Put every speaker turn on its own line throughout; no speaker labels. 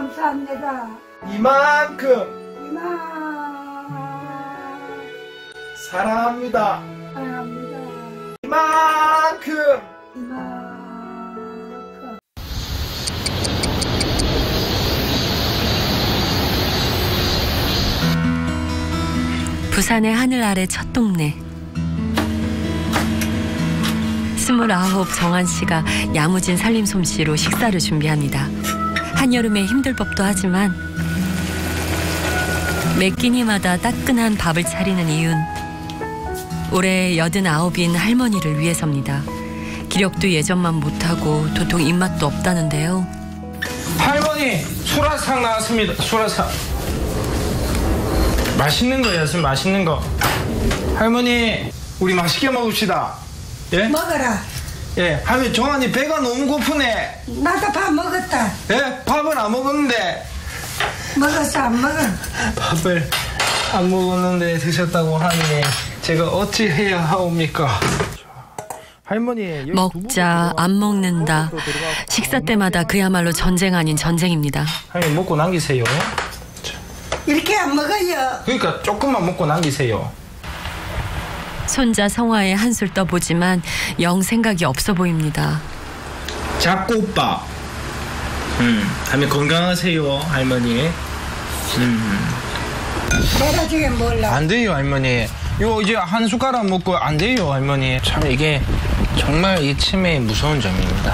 감사합니다.
이만큼 사랑합니다.
사랑합니다.
이만큼
부산의 하늘 아래 첫 동네. 29 정한 씨가 야무진 살림 솜씨로 식사를 준비합니다. 한여름에 힘들 법도 하지만 매 끼니마다 따끈한 밥을 차리는 이윤. 올해 89인 할머니를 위해서입니다. 기력도 예전만 못하고 도통 입맛도 없다는데요.
할머니 수라상 나왔습니다. 수라상. 맛있는 거였으면 맛있는 거. 할머니 우리 맛있게 먹읍시다. 예?
먹어라.
예. 할머니 정한이 배가 너무 고프네.
나도 밥 먹었다.
예? 밥은 안 먹었는데.
먹었어 안 먹어?
밥을 안 먹었는데 드셨다고 하니 제가 어찌 해야 하옵니까? 할머니
먹자 안 먹는다. 식사 때마다 그야말로 전쟁 아닌 전쟁입니다.
할머니 먹고 남기세요.
이렇게 안 먹어요.
그러니까 조금만 먹고 남기세요.
손자 성화에 한술 떠보지만 영 생각이 없어 보입니다.
잡곡밥. 할머니 건강하세요 할머니.
내가 지금 몰라.
안 돼요 할머니. 이거 이제 한 숟가락 먹고 안 돼요 할머니. 참 이게 정말 이 치매의 무서운 점입니다.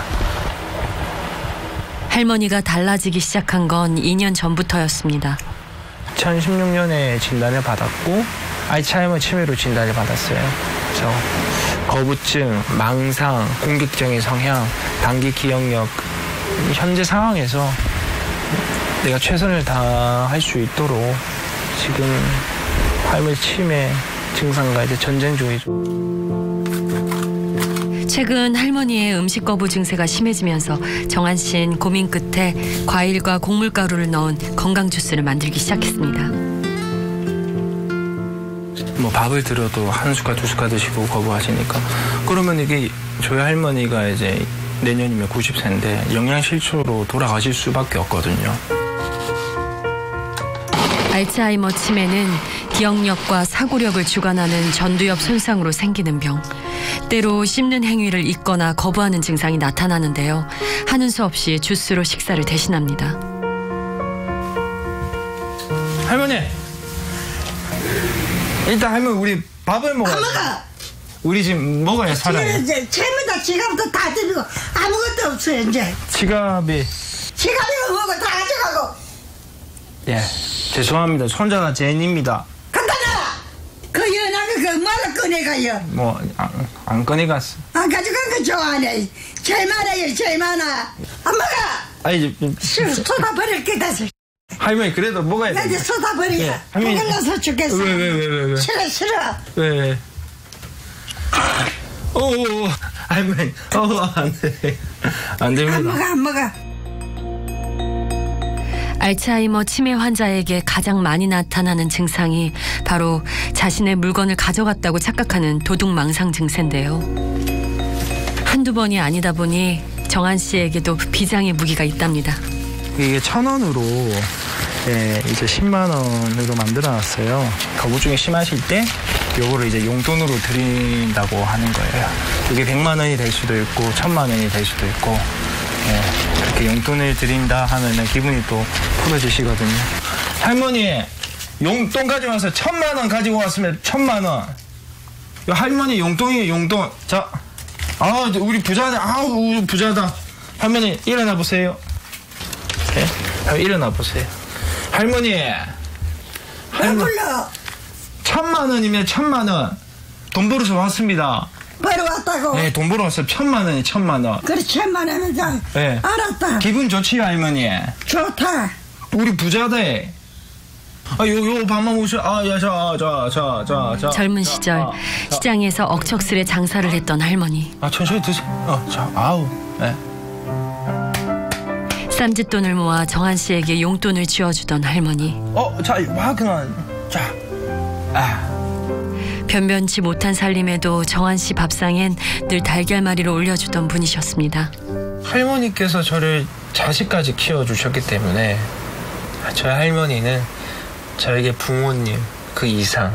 할머니가 달라지기 시작한 건 2년 전부터였습니다.
2016년에 진단을 받았고 알츠하이머 치매로 진단을 받았어요. 그래서 거부증, 망상, 공격적인 성향, 단기 기억력. 현재 상황에서 내가 최선을 다할 수 있도록 지금 할머니 치매 증상과 이제 전쟁 중이죠.
최근 할머니의 음식 거부 증세가 심해지면서 정한 씨는 고민 끝에 과일과 곡물가루를 넣은 건강 주스를 만들기 시작했습니다.
뭐 밥을 들어도 한 숟갈 두 숟갈 드시고 거부하시니까 그러면 이게 저희 할머니가 이제 내년이면 90세인데 영양실조로 돌아가실 수밖에 없거든요.
알츠하이머 치매는 기억력과 사고력을 주관하는 전두엽 손상으로 생기는 병. 때로 씹는 행위를 잊거나 거부하는 증상이 나타나는데요. 하는 수 없이 주스로 식사를 대신합니다.
할머니! 일단 할머니 우리 밥을 먹어야 돼.
안 먹어.
우리 지금 먹어야 살아요.
이제 채무다 지갑도 다 드리고 아무것도 없어요 이제.
지갑이
뭐고 다 가져가고.
예 죄송합니다. 손자가 제인입니다.
갖다 놔. 그 연하게 그 뭐로 꺼내가요.
뭐 안 꺼내갔어.
안 가져간 거 좋아하네. 제일 많아요 제일 많아. 안 먹어.
아니
쏟아 버릴 게 다서.
할머니 그래도 먹어야
나
돼.
이제 쏟아 버려.
예, 할머니.
배불러서 죽겠어.
왜?
싫어.
왜? 오 할머니 안 돼. 안 됩니다.
안 먹어.
알츠하이머 치매 환자에게 가장 많이 나타나는 증상이 바로 자신의 물건을 가져갔다고 착각하는 도둑망상 증세인데요. 한두 번이 아니다 보니 정한 씨에게도 비장의 무기가 있답니다.
이게 1,000원으로 이제 10만 원으로 만들어놨어요. 거부증이 심하실 때 요거를 이제 용돈으로 드린다고 하는 거예요. 이게 100만 원이 될 수도 있고 1,000만 원이 될 수도 있고 그렇게 용돈을 드린다 하면은 기분이 또 풀어지시거든요. 할머니 용돈 가져와서 1,000만 원 가지고 왔으면 1,000만 원. 할머니 용돈이에요 용돈. 자, 우리 부자네. 우리 부자다. 할머니 일어나 보세요. 네? 일어나 보세요. 할머니.
왜 불러?
1,000만 원이면 1,000만 원. 돈 벌어서 왔습니다.
벌어왔다고?
네, 돈 벌어 왔어요. 1,000만 원이 1,000만 원.
그래 1,000만 원이다.
네.
알았다.
기분 좋지요, 할머니?
좋다.
우리 부자대. 요 밥만 오셔. 자.
젊은 시절 시장에서 억척스레 장사를 했던 할머니.
천천히 드세요. 네.
쌈짓돈을 모아 정한 씨에게 용돈을 쥐어주던 할머니. 변변치 못한 살림에도 정한 씨 밥상엔 늘 달걀말이를 올려주던 분이셨습니다.
할머니께서 저를 자식까지 키워주셨기 때문에
저희 할머니는 저에게 부모님 그 이상.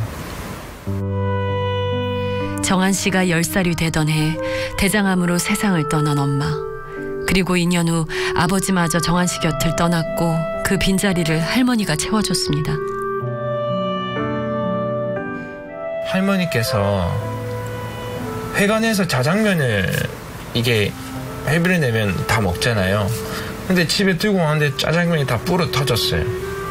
정한 씨가 10살이 되던 해 대장암으로 세상을 떠난 엄마. 그리고 2년 후 아버지마저 정한 씨 곁을 떠났고 그 빈자리를 할머니가 채워줬습니다.
할머니께서 회관에서 자장면을 이게 회비를 내면 다 먹잖아요. 근데 집에 들고 왔는데 짜장면이 다 불어 터졌어요.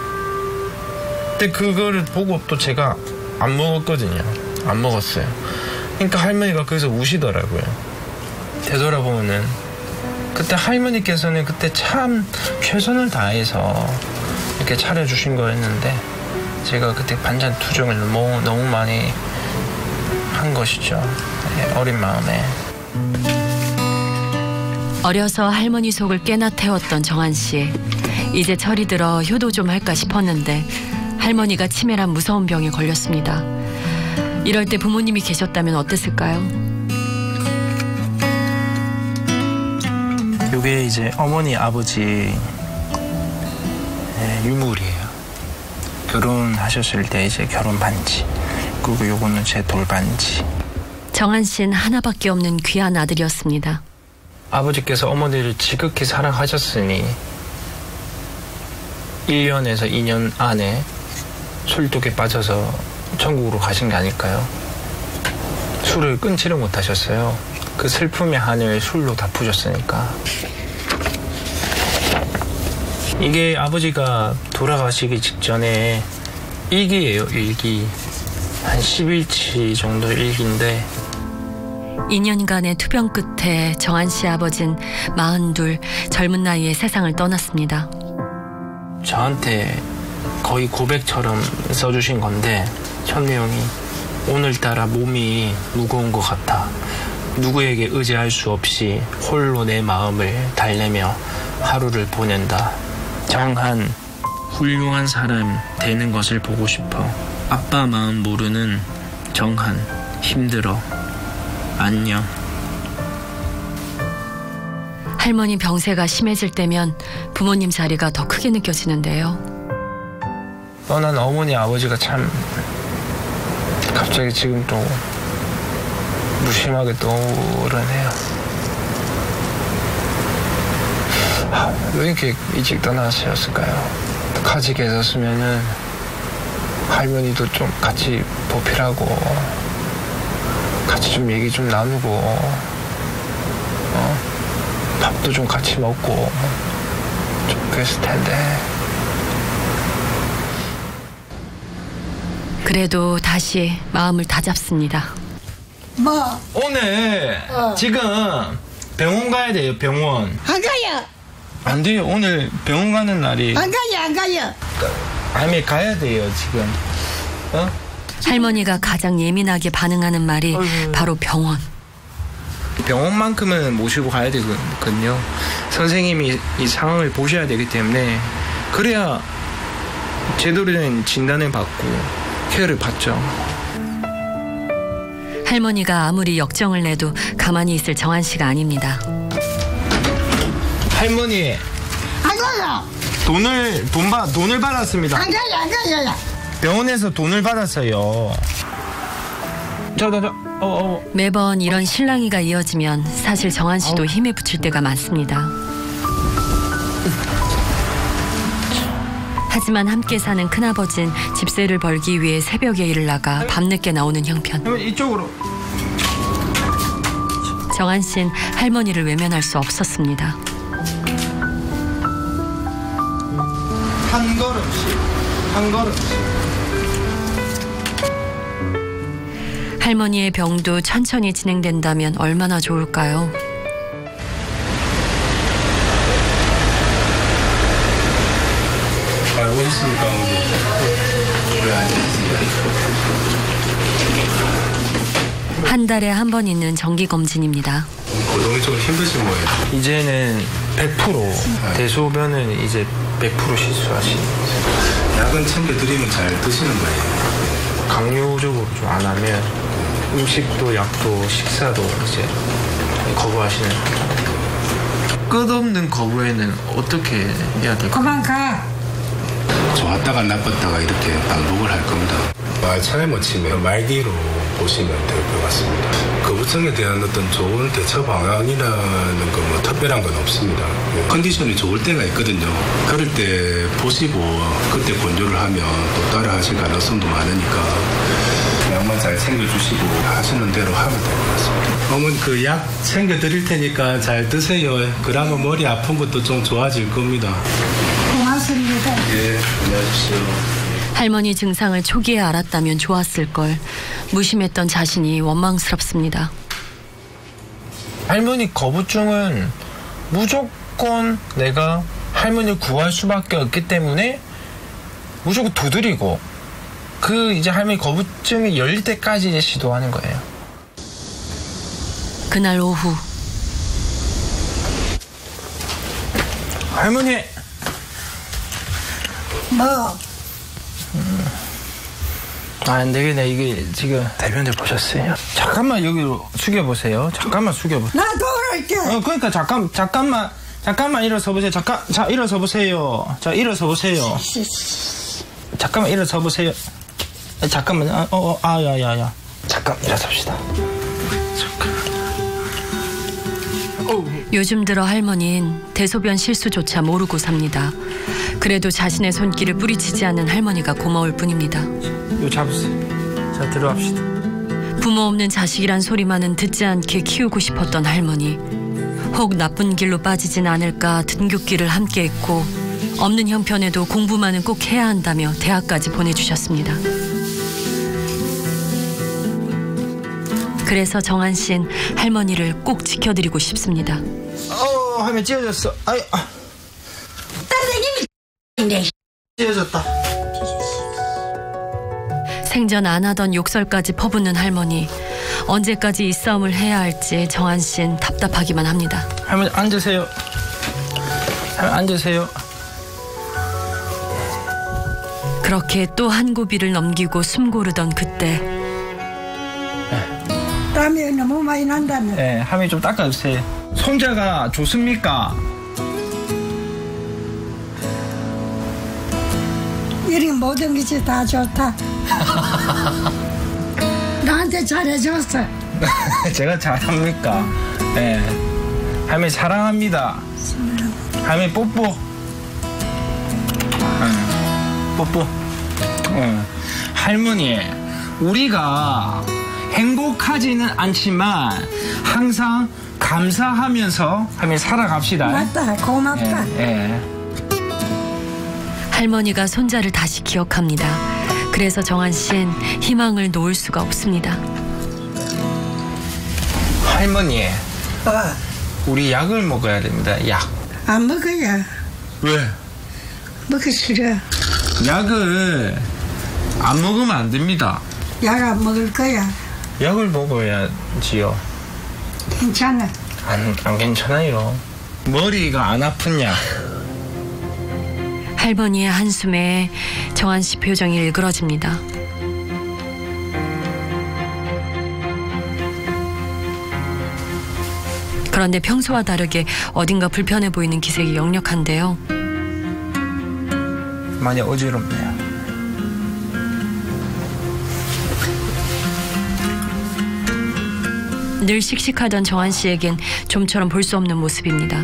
근데 그거를 보고 또 제가 안 먹었거든요. 안 먹었어요. 그러니까 할머니가 거기서 우시더라고요. 되돌아보면은 그때 할머니께서는 그때 참 최선을 다해서 이렇게 차려주신 거였는데 제가 그때 반찬 투정을 너무 많이 한 것이죠. 어린 마음에.
어려서 할머니 속을 꽤나 태웠던 정한 씨. 이제 철이 들어 효도 좀 할까 싶었는데 할머니가 치매란 무서운 병에 걸렸습니다. 이럴 때 부모님이 계셨다면 어땠을까요?
이게 이제 어머니 아버지 유물이에요. 결혼하셨을 때 이제 결혼 반지, 그리고 요거는 제 돌반지.
정한 씨는 하나밖에 없는 귀한 아들이었습니다.
아버지께서 어머니를 지극히 사랑하셨으니 1년에서 2년 안에 술독에 빠져서 천국으로 가신 게 아닐까요? 술을 끊지를 못하셨어요. 그 슬픔의 한을 술로 다 푸셨으니까. 이게 아버지가 돌아가시기 직전에 일기예요, 일기. 한 10일치 정도 일기인데
2년간의 투병 끝에 정한 씨 아버진 42 젊은 나이에 세상을 떠났습니다.
저한테 거의 고백처럼 써주신 건데 첫 내용이 오늘따라 몸이 무거운 것 같아. 누구에게 의지할 수 없이 홀로 내 마음을 달래며 하루를 보낸다. 정한, 훌륭한 사람 되는 것을 보고 싶어. 아빠 마음 모르는 정한, 힘들어. 안녕.
할머니 병세가 심해질 때면 부모님 자리가 더 크게 느껴지는데요.
떠난 어머니 아버지가 참 갑자기 지금 또 무심하게 떠오르네요. 왜 이렇게 일찍 떠나셨을까요? 같이 계셨으면은 할머니도 좀 같이 보필하고 같이 좀 얘기 좀 나누고 밥도 좀 같이 먹고 좀 그랬을 텐데.
그래도 다시 마음을 다잡습니다.
뭐?
오늘 지금 병원 가야 돼요. 병원.
안 가요.
안 돼요. 오늘 병원 가는 날이.
안 가요. 안 가요.
아니 가야 돼요 지금.
할머니가 가장 예민하게 반응하는 말이 바로 병원.
병원만큼은 모시고 가야 되거든요. 선생님이 이 상황을 보셔야 되기 때문에 그래야 제대로 된 진단을 받고 케어를 받죠.
할머니가 아무리 역정을 내도 가만히 있을 정한 씨가 아닙니다.
할머니
안 가요.
돈을 받았습니다.
안 가요. 안 가요.
병원에서 돈을 받았어요.
매번 이런 실랑이가 이어지면 사실 정한 씨도 힘에 부칠 때가 많습니다. 하지만 함께 사는 큰아버진 집세를 벌기 위해 새벽에 일을 나가 밤늦게 나오는 형편.
이쪽으로.
정한 씨는 할머니를 외면할 수 없었습니다.
한 걸음씩.
할머니의 병도 천천히 진행된다면 얼마나 좋을까요?
알고 있으니까 왜 안 했습니다.
한 달에 한 번 있는 정기검진입니다.
거동이 좀 힘드신 거예요.
이제는 100% 대소변은 이제 100% 실수하시는.
약은 챙겨드리면 잘 드시는 거예요.
강요적으로 좀 안 하면 음식도 약도 식사도 이제 거부하시는. 끝없는 거부에는 어떻게 해야 될까요?
그만 가.
좋았다가 나빴다가 이렇게 반복을 할 겁니다. 말차에 못 치면 말기로 보시면 될 것 같습니다. 거부증에 대한 어떤 좋은 대처 방안이라는 거 뭐 특별한 건 없습니다. 컨디션이 좋을 때가 있거든요. 그럴 때 보시고 그때 권유를 하면 또 따라 하실 가능성도 많으니까 약만 잘 챙겨주시고 하시는 대로 하면 될 것 같습니다. 어머니 그 약 챙겨드릴 테니까 잘 드세요. 그러면 머리 아픈 것도 좀 좋아질 겁니다.
고맙습니다.
예, 안녕하십시오.
할머니 증상을 초기에 알았다면 좋았을 걸. 무심했던 자신이 원망스럽습니다.
할머니 거부증은 무조건 내가 할머니를 구할 수밖에 없기 때문에 무조건 두드리고 그 이제 할머니 거부증이 열릴 때까지 이제 시도하는 거예요.
그날 오후
할머니
뭐?
안 되겠네. 이게 지금 대변을 보셨어요? 잠깐만 여기로 숙여보세요. 잠깐만 숙여보세요.
나 돌아올게.
그러니까 잠깐만 일어서 보세요. 자 일어서 보세요. 자 일어서 보세요. 잠깐만 일어서 보세요. 잠깐만 야야야. 잠깐 일어섭시다.
요즘 들어 할머니는 대소변 실수조차 모르고 삽니다. 그래도 자신의 손길을 뿌리치지 않는 할머니가 고마울 뿐입니다.
이거 잡으세요. 자 들어갑시다.
부모 없는 자식이란 소리만은 듣지 않게 키우고 싶었던 할머니. 혹 나쁜 길로 빠지진 않을까 등굣길을 함께했고 없는 형편에도 공부만은 꼭 해야 한다며 대학까지 보내주셨습니다. 그래서 정한 씨는 할머니를 꼭 지켜드리고 싶습니다.
할머니 찢어졌어.
딸내님이
찢어졌다.
생전 안 하던 욕설까지 퍼붓는 할머니. 언제까지 이 싸움을 해야 할지 정한 씨는 답답하기만 합니다.
할머니 앉으세요. 할머니 앉으세요.
그렇게 또 한 고비를 넘기고 숨 고르던 그때
땀이 너무 많이 난다며.
네, 할머니 좀 닦아주세요. 손자가 좋습니까?
이런 모든 것이 다 좋다. 나한테 잘해줬어.
제가 잘합니까? 네. 할머니 사랑합니다. 할머니 뽀뽀. 뽀뽀. 할머니, 우리가 행복하지는 않지만 항상 감사하면서 할머니 살아갑시다.
맞다. 고맙다.
할머니가 손자를 다시 기억합니다. 그래서 정한 씨는 희망을 놓을 수가 없습니다.
할머니, 우리 약을 먹어야 됩니다. 약.
안 먹어야.
왜?
먹기 싫어.
약을 안 먹으면 안 됩니다.
약 안 먹을 거야.
약을 먹어야지요.
괜찮아.
안 괜찮아요. 머리가 안 아픈 약.
할머니의 한숨에 정한 씨 표정이 일그러집니다. 그런데 평소와 다르게 어딘가 불편해 보이는 기색이 역력한데요.
많이 어지럽네요.
늘 씩씩하던 정한 씨에겐 좀처럼 볼 수 없는 모습입니다.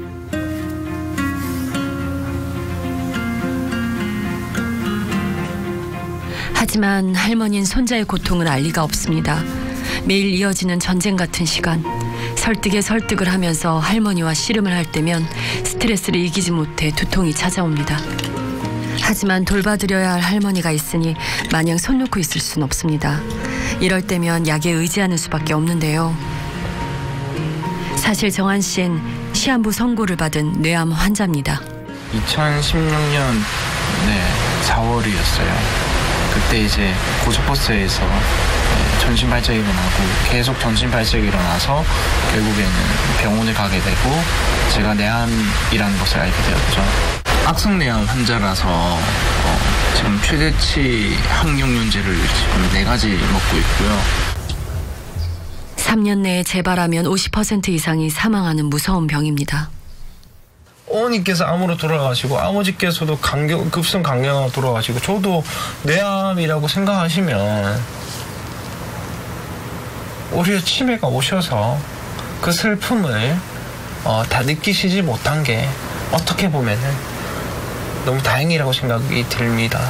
하지만 할머니는 손자의 고통을 알 리가 없습니다. 매일 이어지는 전쟁 같은 시간. 설득에 설득을 하면서 할머니와 씨름을 할 때면 스트레스를 이기지 못해 두통이 찾아옵니다. 하지만 돌봐드려야 할 할머니가 있으니 마냥 손 놓고 있을 순 없습니다. 이럴 때면 약에 의지하는 수밖에 없는데요. 사실 정한 씨는 시한부 선고를 받은 뇌암 환자입니다.
2016년 4월이었어요. 그때 이제 고속버스에서 전신 발작이 일어나고 계속 전신 발작이 일어나서 결국에는 병원을 가게 되고 제가 뇌암이라는 것을 알게 되었죠. 악성뇌암 환자라서 지금 최대치 항용연제를 지금 4가지 먹고 있고요.
3년 내에 재발하면 50% 이상이 사망하는 무서운 병입니다.
어머니께서 암으로 돌아가시고 아버지께서도 급성 간경으로 돌아가시고 저도 뇌암이라고 생각하시면 오히려 치매가 오셔서 그 슬픔을 다 느끼시지 못한 게 어떻게 보면은 너무 다행이라고 생각이 듭니다.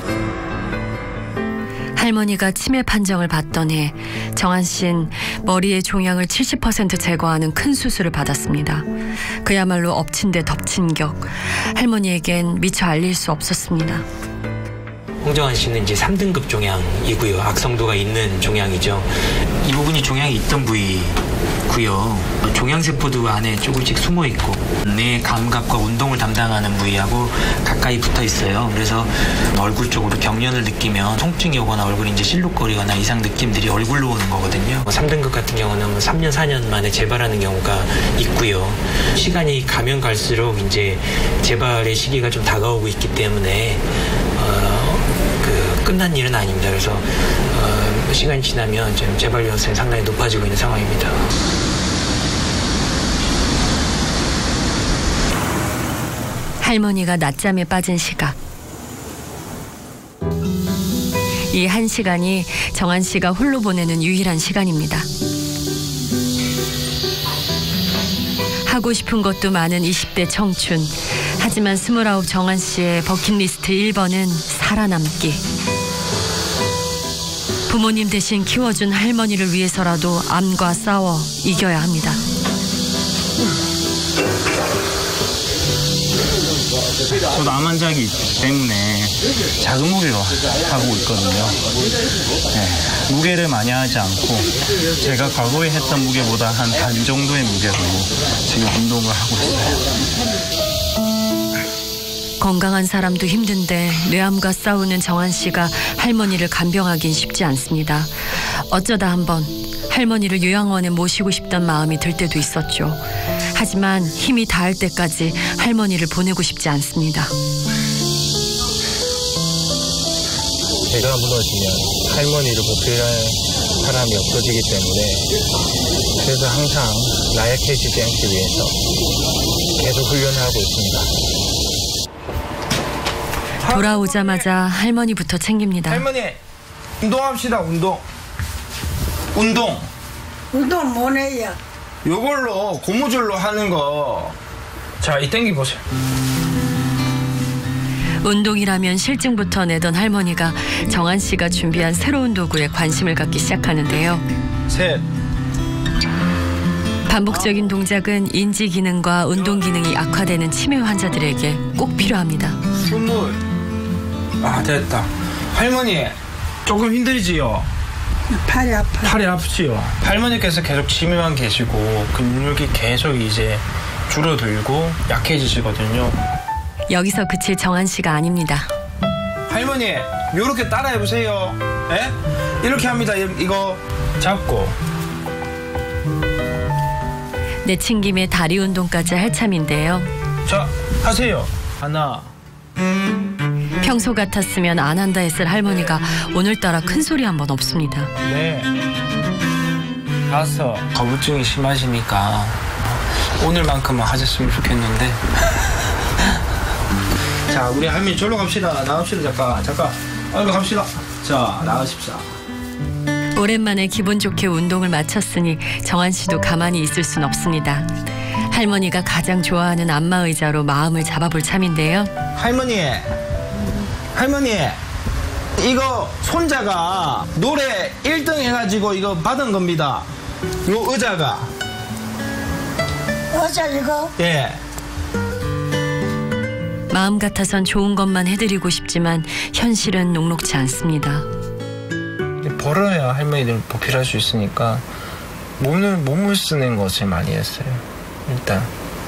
할머니가 치매 판정을 받던 해 정한 씨는 머리의 종양을 70% 제거하는 큰 수술을 받았습니다. 그야말로 엎친 데 덮친 격. 할머니에겐 미처 알릴 수 없었습니다.
홍정한 씨는 이제 3등급 종양이고요. 악성도가 있는 종양이죠. 이 부분이 종양이 있던 부위고요. 종양세포도 안에 조금씩 숨어 있고 뇌 감각과 운동을 담당하는 부위하고 가까이 붙어 있어요. 그래서 얼굴 쪽으로 경련을 느끼면 통증이 오거나 얼굴이 이제 실룩거리거나 이상 느낌들이 얼굴로 오는 거거든요. 3등급 같은 경우는 3년, 4년 만에 재발하는 경우가 있고요. 시간이 가면 갈수록 이제 재발의 시기가 좀 다가오고 있기 때문에 끝난 일은 아닙니다. 그래서 시간이 지나면 지금 재발 위험성이 상당히 높아지고 있는 상황입니다.
할머니가 낮잠에 빠진 시각. 이 1시간이 정한 씨가 홀로 보내는 유일한 시간입니다. 하고 싶은 것도 많은 20대 청춘. 하지만 29 정한 씨의 버킷리스트 1번은 살아남기. 부모님 대신 키워준 할머니를 위해서라도 암과 싸워 이겨야 합니다.
저도 암 환자이기 때문에 작은 무게로 하고 있거든요. 네, 무게를 많이 하지 않고 제가 과거에 했던 무게보다 한 반 정도의 무게로 지금 운동을 하고 있어요.
건강한 사람도 힘든데 뇌암과 싸우는 정한 씨가 할머니를 간병하긴 쉽지 않습니다. 어쩌다 한번 할머니를 요양원에 모시고 싶던 마음이 들 때도 있었죠. 하지만 힘이 닿을 때까지 할머니를 보내고 싶지 않습니다.
제가 무너지면 할머니를 보필할 사람이 없어지기 때문에 그래서 항상 나약해지지 않기 위해서 계속 훈련을 하고 있습니다.
돌아오자마자 할머니부터 챙깁니다.
할머니, 운동합시다. 운동
뭐네요?
요걸로 고무줄로 하는 거. 자, 이 땡기 보세요.
운동이라면 실증부터 내던 할머니가 정한 씨가 준비한 새로운 도구에 관심을 갖기 시작하는데요.
셋.
반복적인 동작은 인지 기능과 운동 기능이 악화되는 치매 환자들에게 꼭 필요합니다.
20. 아, 됐다. 할머니, 조금 힘들지요?
팔이 아파.
팔이 아프지요? 할머니께서 계속 치매만 계시고 근육이 계속 이제 줄어들고 약해지시거든요.
여기서 그칠 정한 씨가 아닙니다.
할머니, 요렇게 따라해보세요. 예? 이렇게 합니다. 이거 잡고.
내친김에 다리 운동까지 할 참인데요.
자, 하세요. 하나.
평소 같았으면 안 한다 했을 할머니가 오늘따라 큰 소리 한 번 없습니다.
네. 5. 거부증이 심하시니까 오늘만큼은 하셨으면 좋겠는데. 자, 우리 할머니 절로 갑시다. 나갑시다. 잠깐. 얼른 갑시다. 자, 나가십시다.
오랜만에 기분 좋게 운동을 마쳤으니 정한 씨도 가만히 있을 순 없습니다. 할머니가 가장 좋아하는 안마의자로 마음을 잡아볼 참인데요.
할머니, 이거 손자가 노래 1등 해가지고 이거 받은 겁니다. 요 의자가.
어제 이거?
예.
마음 같아선 좋은 것만 해드리고 싶지만 현실은 녹록지 않습니다.
벌어야 할머니들 보필할 수 있으니까 몸을 쓰는 것을 많이 했어요. 일단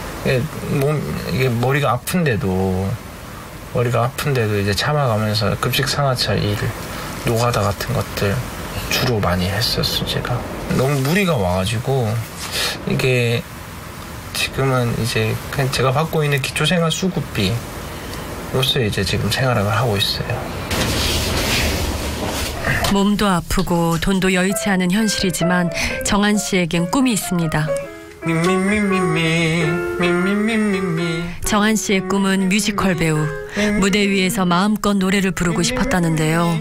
이게 머리가 아픈데도 이제 참아가면서 급식 상하차 일, 노가다 같은 것들 주로 많이 했었어요. 제가 너무 무리가 와가지고 이게 지금은 이제 그냥 제가 받고 있는 기초생활 수급비 요새 이제 지금 생활을 하고 있어요.
몸도 아프고 돈도 여의치 않은 현실이지만 정한 씨에겐 꿈이 있습니다. 정한 씨의 꿈은 뮤지컬 배우. 무대 위에서 마음껏 노래를 부르고 싶었다는데요.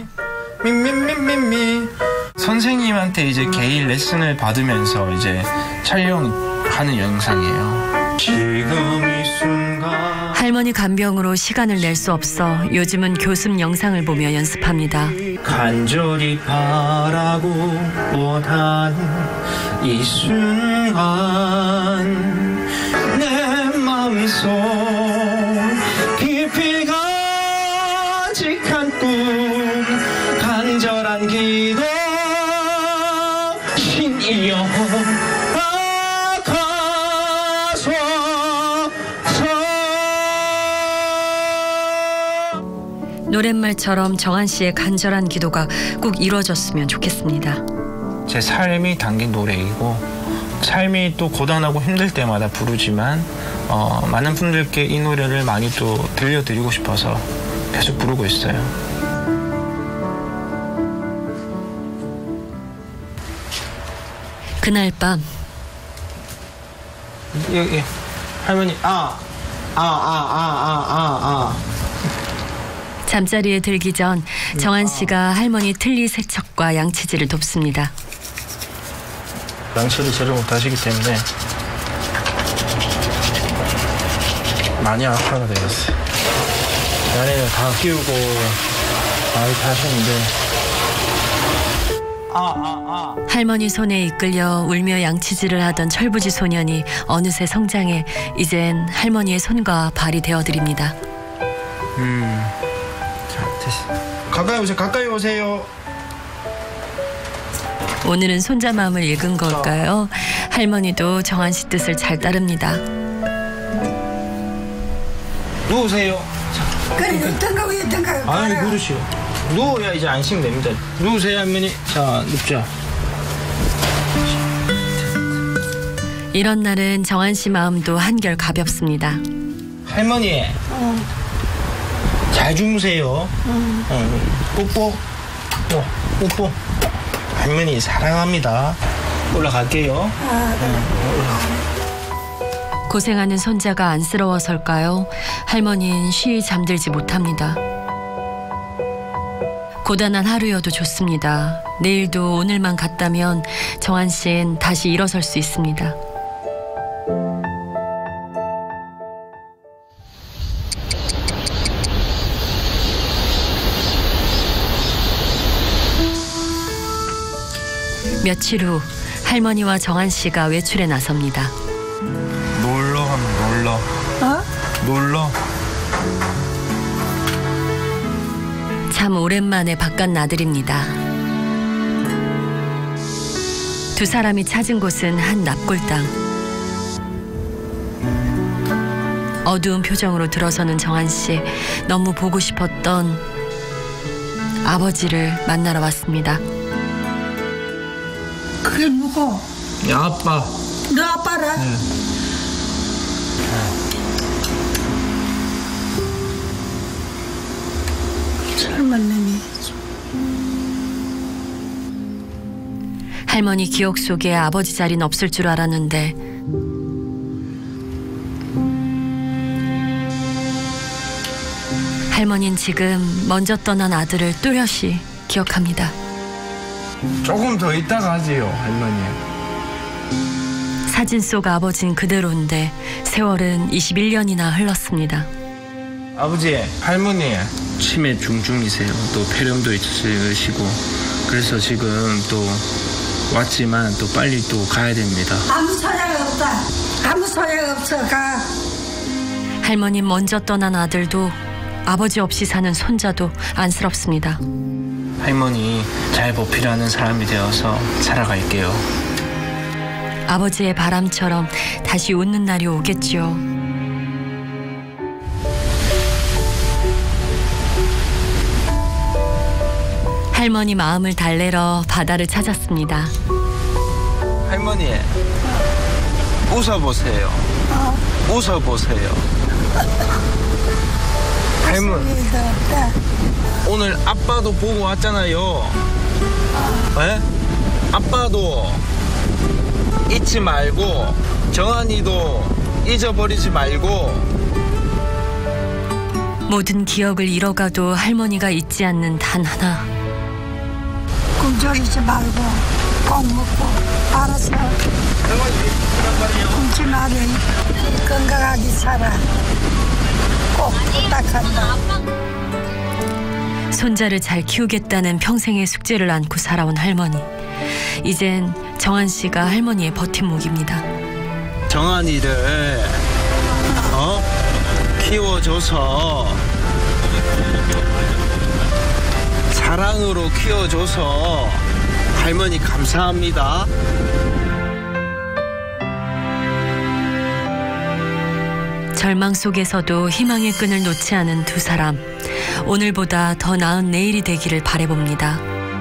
선생님한테 이제 개인 레슨을 받으면서 이제 촬영하는 영상이에요. 지금 이 순간
할머니 간병으로 시간을 낼 수 없어 요즘은 교습 영상을 보며 연습합니다.
간절히 바라고 원하는 이 순간 내 마음속 깊이 간직한 꿈 간절한 기도 신이여
노랫말처럼 정한 씨의 간절한 기도가 꼭 이루어졌으면 좋겠습니다.
제 삶이 담긴 노래이고 삶이 또 고단하고 힘들 때마다 부르지만 많은 분들께 이 노래를 많이 또 들려드리고 싶어서 계속 부르고 있어요.
그날 밤
여기 할머니
잠자리에 들기 전 정한 씨가 할머니 틀니 세척과 양치질을 돕습니다.
양치를 제대로 못하시기 때문에 많이 악화가 되었어요. 나이를 다 키우고 많이 하셨는데
할머니 손에 이끌려 울며 양치질을 하던 철부지 소년이 어느새 성장해 이젠 할머니의 손과 발이 되어드립니다.
가까이 오세요.
오늘은 손자 마음을 읽은 걸까요? 할머니도 정한 씨 뜻을 잘 따릅니다.
누우세요.
그래 어떤가 왜 어떤가.
아니 그러시오. 누워야 이제 안심됩니다. 누우세요 할머니. 자 눕자.
이런 날은 정한 씨 마음도 한결 가볍습니다.
할머니. 잘 주무세요. 뽀뽀. 뽀뽀. 할머니 사랑합니다. 올라갈게요.
고생하는 손자가 안쓰러워설까요? 할머니는 쉬이 잠들지 못합니다. 고단한 하루여도 좋습니다. 내일도 오늘만 같다면 정한 씨는 다시 일어설 수 있습니다. 며칠 후 할머니와 정한 씨가 외출에 나섭니다.
놀러 하면 놀러. 놀러.
참 오랜만에 바깥 나들입니다. 두 사람이 찾은 곳은 한 납골당. 어두운 표정으로 들어서는 정한 씨. 너무 보고 싶었던 아버지를 만나러 왔습니다.
그게 누구?
야 아빠.
너 아빠라?
네.
젊은 놈이.
할머니 기억 속에 아버지 자리는 없을 줄 알았는데 할머니는 지금 먼저 떠난 아들을 뚜렷이 기억합니다.
조금 더 있다가 하지요 할머니.
사진 속 아버지는 그대로인데 세월은 21년이나 흘렀습니다.
아버지 할머니 치매 중증이세요. 또 폐렴도 있으시고 그래서 지금 또 왔지만 또 빨리 또 가야 됩니다.
아무 소용 없다. 아무 소용 없어. 가.
할머니 먼저 떠난 아들도 아버지 없이 사는 손자도 안쓰럽습니다.
할머니 잘 보필하는 사람이 되어서 살아갈게요.
아버지의 바람처럼 다시 웃는 날이 오겠죠. 할머니 마음을 달래러 바다를 찾았습니다.
할머니 웃어보세요. 웃어보세요. 할머니 오늘 아빠도 보고 왔잖아요. 네? 아빠도 잊지 말고
정한이도 잊어버리지 말고.
모든 기억을 잃어가도 할머니가 잊지 않는 단 하나.
꿈쩍이지 말고 꼭 먹고 알아서 꿈치 말이 건강하게 살아. 꼭 부탁한다.
손자를 잘 키우겠다는 평생의 숙제를 안고 살아온 할머니. 이젠 정한 씨가 할머니의 버팀목입니다.
정한이를 키워줘서 사랑으로 키워줘서 할머니 감사합니다.
절망 속에서도 희망의 끈을 놓지 않은 두 사람. 오늘보다 더 나은 내일이 되기를 바라봅니다.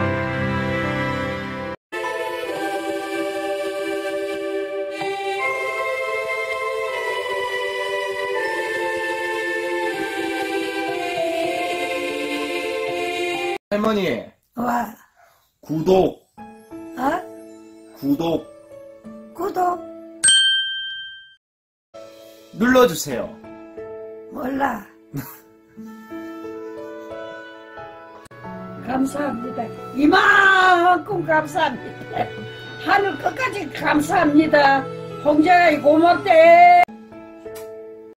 할머니,
와,
구독,
어?
구독
구독
눌러주세요.
몰라. 감사합니다. 이만큼 감사합니다. 하늘 끝까지 감사합니다. 홍자야 고맙대.